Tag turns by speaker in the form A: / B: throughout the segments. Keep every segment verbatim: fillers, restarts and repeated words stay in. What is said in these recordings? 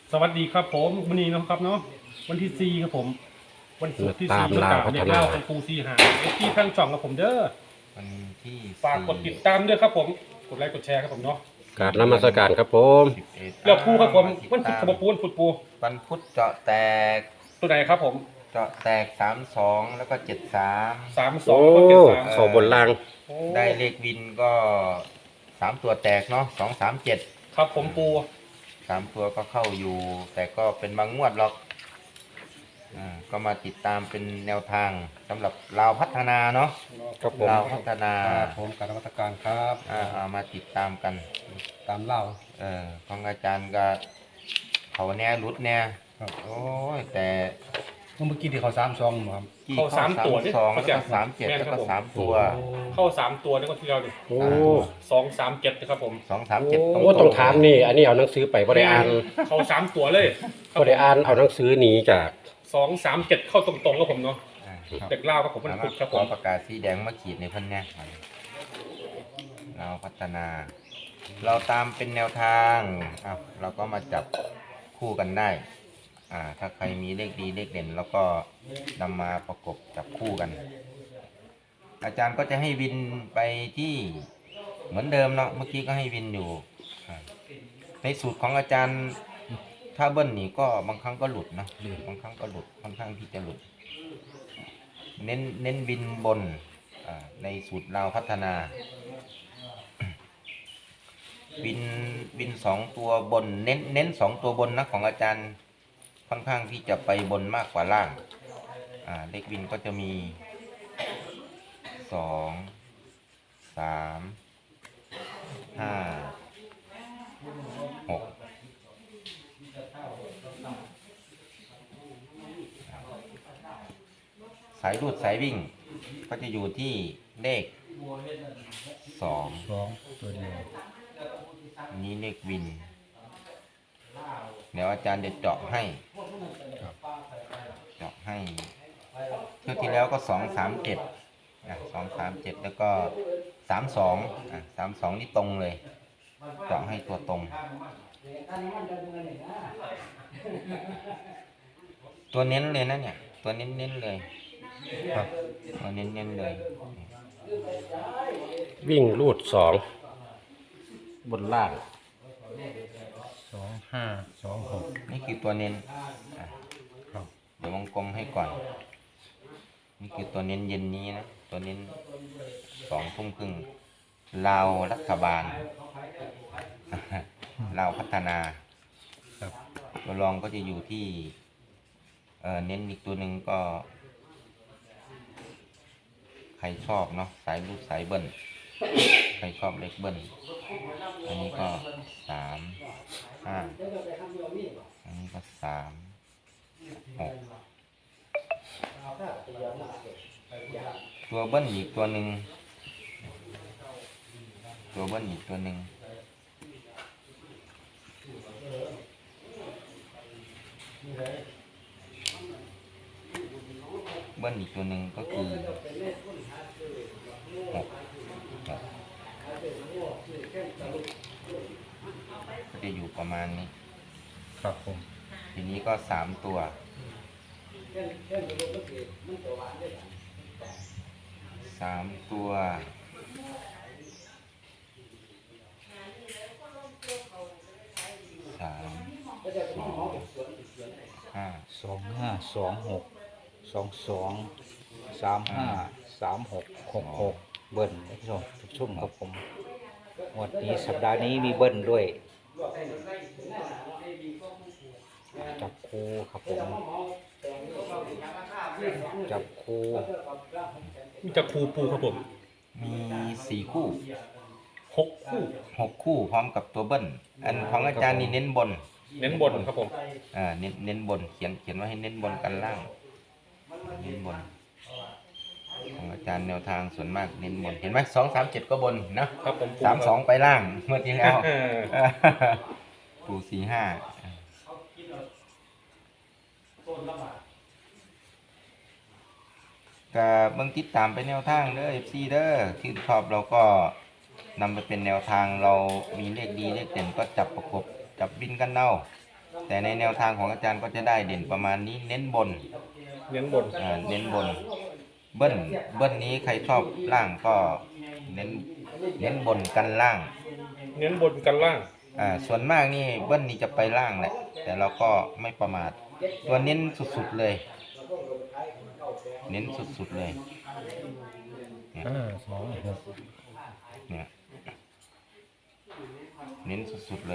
A: สวัสดีครับผมวันนี้นะครับเนาะวันที่สี่ครับผมวันศุกร์ที่สี่
B: ตาม
A: ก
B: ลาวพั
A: เด็
B: ฒ
A: ก
B: นา
A: เล่าของครูซีหาเอฟที่ทั้งช่องกับผมเด้อ
C: วันที่
A: ฝากกดติดตามด้วยครับผมกดไลค์กดแชร์ครับผมเนาะ
B: กราบนมัสการครับผม
C: สิบเอ็ด
A: แล้วปูครับผมวันพุธกับปูวันพุธปู
C: วันพุธเจาะแตก
A: ตัวไหนครับผม
C: เจาะแตกสามสองแล้วก็เจ็ดสาม
A: สามสอ
B: โอ้
A: งก็เจ็ดสาม
B: เขาบนล่าง
A: โอ้
C: ได้เลขวินก็สามตัวแตกเนาะสองสามเจ็ด
A: ครับผมปู
C: สามตัวก็เข้าอยู่ แต่ก็เป็นบางงวดหรอกอ่าก็มาติดตามเป็นแนวทางสำหรับเราวพัฒนาเนาะ
B: ครับผม
C: เราวพัฒนา
D: ครับผมการนมัสการครับ
C: อ่าเอามาติดตามกัน
D: ตามเล่า
C: เออของอาจารย์ก็เขาแน่รุดแน่
D: ครับ
C: โอ้ยแต่
D: เมื่อกี้ที่เขาสามซองครับ
C: ที่
A: เข้าสามตัวนี่
C: สอง
A: เขา
C: แล้ว
A: จะ
C: ก็สามเจ็ดแล้วก็สามตัว
A: เข้าสามตัวนี่ก็ที่เราดิ
B: โอ้
A: สองสามเจ็ดนะครับผม
C: สองสามเจ็ด
B: โอ้ต้องถามนี่ อันนี้เอาหนังสือไปบ่ได้อ่าน
A: เข้าสามตัวเลย
B: บ่ได้อ่านเอาหนังสือหนีจาก
A: สองสามเจ็ดเข้าตรงๆครับผมเนาะ
C: อ่าครับ
A: เด็กเล่าครับผมวัน
C: สามาร
A: พุ
C: ถ
A: ธครับ
C: ข
A: ผ
C: อ
A: ม
C: ประกาศสีแดงมาขีดในพันเนี่ยเราพัฒนา เราตามเป็นแนวทางอ่ะเราก็มาจับคู่กันได้อ่าถ้าใครมีเลขดีเลขเด่นแล้วก็นำมาประกบจับคู่กัน อาจารย์ก็จะให้วินไปที่เหมือนเดิมเนาะเมื่อกี้ก็ให้วินอยู่อ่าในสูตรของอาจารย์ถ้าเบิ้ลนี่ก็บางครั้งก็หลุดนะบางครั้งก็หลุดค่อนข้างที่จะหลุด เน้นเน้นวินบนอ่าในสูตรเราวพัฒนา วินวินสองตัวบน เน้นเน้นสองตัวบนนะของอาจารย์ค่อนข้างที่จะไปบนมากกว่าล่างอ่าเลขวินก็จะมีสองสามห้าหกสายรูดสายวิ่งก็จะอยู่ที่เลขสอง
D: สองตัวเดียว
C: นี้เลขวิน เดี๋ยวอาจารย์จะเจาะให้ เจาะให้เที่ยวที่แล้วก็สองสามเจ็ดอ่ะสองสามเจ็ดแล้วก็สามสองอ่ะสามสองนี่ตรงเลย เจาะให้ตัวตรง ตัวเน้นเลยนะเนี่ย ตัวเน้นเน้นเลย
D: ครับ
C: ตัวเน้นเน้นเลย
B: วิ่งรูดสองบนล่าง
D: สองห้าสองหก
C: นี่คือตัวเน้นอ่ะ
D: ครับ
C: เดี๋ยววงกลมให้ก่อน นี่คือตัวเน้นเย็นนี้นะ ตัวเน้นสองทุ่มครึ่งลาวรัฐบาล ลาวพัฒนา
D: ครับ
C: ตัวรองก็จะอยู่ที่เอ่อเน้นอีกตัวหนึ่งก็ ใครชอบเนาะสายลูกสายเบิ้ลใครชอบเล็กเบิ้ลอันนี้ก็สามห้าอันนี้ก็สามหกตัวเบิ้ลอีกตัวหนึ่งตัวเบิ้ลอีกตัวหนึ่งเบิ้ลอีกตัวหนึ่งก็คือหกหกก็จะอยู่ประมาณนี้
D: ครับผม
C: ทีนี้ก็สามตัว สามตัว สามสองห้า
E: สองห้าสองหกสองสองสามห้าสามหกหกหกเบิ้ลท่านผู้ชมทุกชุ่มครับผมงวดนี้สัปดาห์นี้มีเบิ้ลด้วย จับคู่ครับผมจับคู่
A: มีจะครูปูครับผม
C: มีสี่คู่
A: หกคู่
C: หกคู่พร้อมกับตัวเบิ้ล อันของอาจารย์นี่เน้นบน
A: เน้นบนครับผม
C: อ่า เน้นเน้นบน เขียนเขียนว่าให้เน้นบนกันล่าง เน้นบน ของอาจารย์แนวทางส่วนมากเน้นบน เห็นไหมสองสามเจ็ดก็บนนะครับ
A: ผมปู
C: สามสองไปล่างเมื่อที่แล้ว
A: เออ
C: ปูสี่ห้าก็เบิ่งติดตามไปแนวทางเด้อ เอฟ ซี เด้อที่ชอบเราก็นำไปเป็นแนวทางเรามีเลขดีเลขเด่นก็จับประกบจับบินกันเอาแต่ในแนวทางของอาจารย์ก็จะได้เด่นประมาณนี้เน้นบน
A: เน้นบน
C: อ่าเน้นบนเบิ้ลเบิ้ลนี้ใครชอบล่างก็เน้นเน้นบนกันล่าง
A: เน้นบนกันล่าง
C: อ่าส่วนมากนี่เบิ้ลนี้จะไปล่างแหละแต่เราก็ไม่ประมาทตัวเน้นสุดๆเลย เน้นสุดๆเลย
D: ห้าสองหก
C: เนี่ยเน้นสุดๆเลย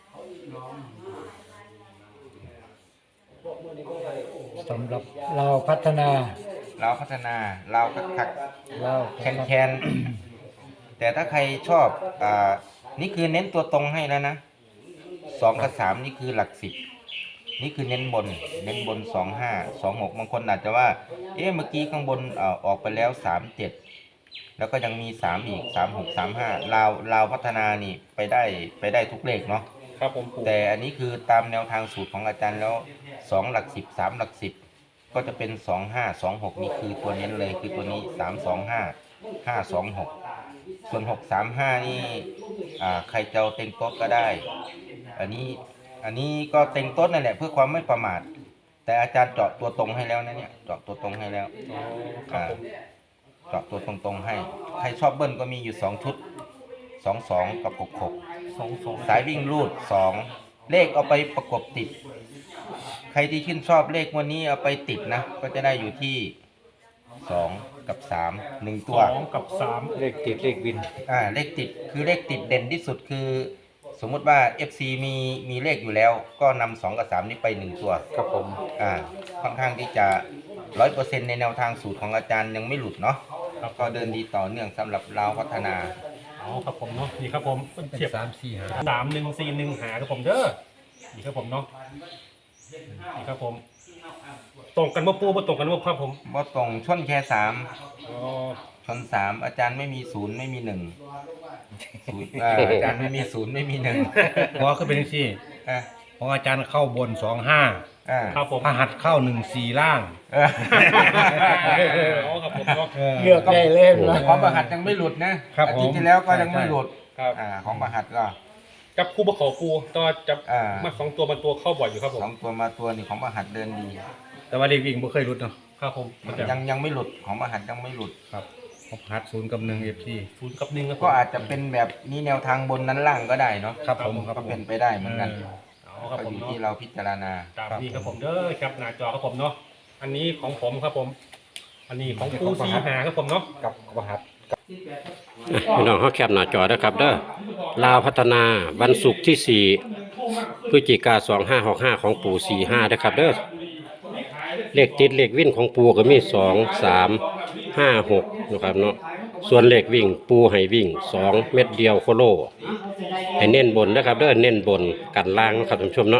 D: สำหรับเราพัฒนา
C: เราพัฒนาเราคัก
D: เรา
C: ๆแคนแคนๆแต่ถ้าใครชอบอ่านี่คือเน้นตัวตรงให้แล้วนะสองกับสามนี่คือหลักสิบนี่คือเน้นบนเน้นบนสองห้าสองหกบางคนอาจจะว่าเอ๊ะเมื่อกี้ข้างบนเอ่อออกไปแล้วสามเจ็ดแล้วก็ยังมีสามอีกสามหกสามห้าเราเราพัฒนานี่ไปได้ไปได้ทุกเลขเนาะ
A: ครับผมปู่
C: แต่อันนี้คือตามแนวทางสูตรของอาจารย์แล้วสองหลักสิบสามหลักสิบก็จะเป็นสองห้าสองหกนี่คือตัวเน้นเลยคือตัวนี้สามสองห้าห้าสองหกส่วนหกสามห้านี่อ่าใครจะเอาเต็งโต๊ะก็ได้ อันนี้อันนี้ก็เต็งโต๊ะนั่นแหละเพื่อความไม่ประมาทแต่อาจารย์เจาะตัวตรงให้แล้วนะเนี่ยเจาะตัวตรงให้แล้ว
A: อ๋อครับ
C: อ่า
A: ผม
C: เจาะตัวตรงๆให้ใครชอบเบิ้ลก็มีอยู่สองชุดสองสองกับหกหก
A: สองสอง
C: สายวิ่งรูดสองเลขเอาไปประกบติด ใครที่ชื่นชอบเลขวันนี้เอาไปติดนะ ก็จะได้อยู่ที่สองกับสามหนึ่ง
A: ส
C: ตัว
A: องกับสาม
E: เลขติดเลขวิน
C: อ่าเลขติดคือเลขติดเด่นที่สุดคือ สมมุติว่า เอฟ ซี มีมีเลขอยู่แล้ว ก็นำสองกับสามนี้ไปหนึ่งตัว
E: ครับผม
C: อ่าค่อนข้างที่จะร้อยเปอร์เซ็นต์ในแนวทางสูตรของอาจารย์ยังไม่หลุดเนาะ
A: ครับ
C: ก็เดินดีต่อเนื่องสำหรับเราพัฒนา
A: อ๋อครับผมเนาะนี่ครับผมเทียบ
D: สามสี่ห้า
A: สามหนึ่งสี่หนึ่งหาครับผมเด้อนี่ครับผมเนาะนี่ครับผมตรงกันว่าปูบ่ตรงกันว่าครับผม
C: บ่ตรงชนแค่สาม
A: อ๋อ
C: ชนสามอาจารย์ไม่มีศูนย์ไม่มีหนึ่งศูนย์อ่าอาจารย์ไม่มีศูนย์ไม่มีหนึ่ง
D: เพราะคือเป็นที่
C: อ่ะ
D: ของอาจารย์เข้าบนสองห้า
C: อ่า
A: ครับผม
D: พระหัตถ์เข้าหนึ่งสี่ล่าง
C: เออ
A: อ๋อครับผมเนาะ
D: เลือกได้เล่น
C: แต่ของประหัตยังไม่หลุดนะครับ อาทิตย์
D: ผม
C: ที่แล้วก็ยังไม่หลุด
A: ครับ
C: อ่าของประหัตก็
A: จับคู่บ่ขอปูต่อจับ
C: อ่า
A: มาสองตัวมันตัวเข้าบ่อยอยู่ครับผม
C: สองตัวมาตัวนี่ของประหัตเดินดี
D: แต่ว่าเลขวิ่งไม่เคยหลุดเนาะ
A: ครับผมมันจะ
C: ยังยังไม่หลุดของประหัตยังไม่หลุด
D: ครับของพระหัตถ์ศูนย์กับหนึ่งเอฟซี
A: ศูนย์กับหนึ่งครับผม
C: ก็อาจจะเป็นแบบนี้แนวทางบนนั้นล่างก็ได้เนาะ
D: ครับผมครับ
C: ก็
D: ผม
C: เป็นไปได้เหมือนกัน
A: อ๋อครับ
C: ก็
A: ผ
C: อ
A: ม
C: ยู่
A: เนาะ
C: ที่เราพิจารณา
A: ตามนี้ครับผมเด้อครับหน้าจอครับผมเนาะอันนี้ของผมครับผม อันนี้ของปูซีหาครับผมเนาะ
E: กับพระหัตถ์
B: พี่น้องเขาแคปหน้าจอนะครับเด้อลาวพัฒนาวันศุกร์ที่สี่พฤศจิกาสองห้าหกห้าของปู่สี่ห้านะครับเด้อเลขติดเลขวิ่งของปู่ก็มีสองสามห้าหกนะครับเนาะส่วนเลขวิ่งปูให้วิ่งสองเม็ดเดียวโคโลให้เน้นบนนะครับเด้อเน้นบนกันล่างนะครับท่านผู้ชมเนาะ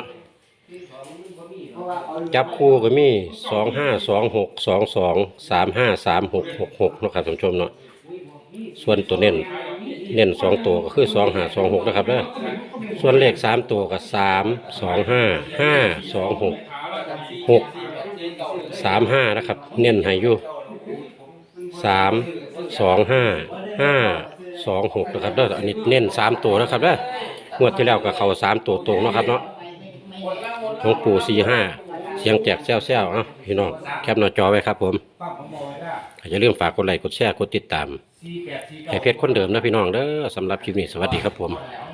B: จับคู่ก็มีสองห้าสองหกสองสองสามห้าสามหกหกหกนะครับท่านผู้ชมเนาะส่วนตัวเน้นเน้นสองตัวก็คือสองห้าสองหกนะครับเด้อส่วนเลขสามตัวก็สามสองห้าห้าสองหกหกสามห้านะครับเน้นให้อยู่สามสองห้าห้าสองหกนะครับเด้ออันนี้เน้นสามตัวนะครับเด้องวดที่แล้วก็เข้าสามตัวตรงนะครับเนาะของปู่สี่ห้าเสียงแจกแซวแซวๆเอ้าพี่น้องแคปหน้าจอไว้ครับผมอย่าลืมฝากกดไลค์กดแชร์กดติดตามให้เพจคนเดิมนะพี่น้องเด้อสำหรับคลิปนี้สวัสดีครับผม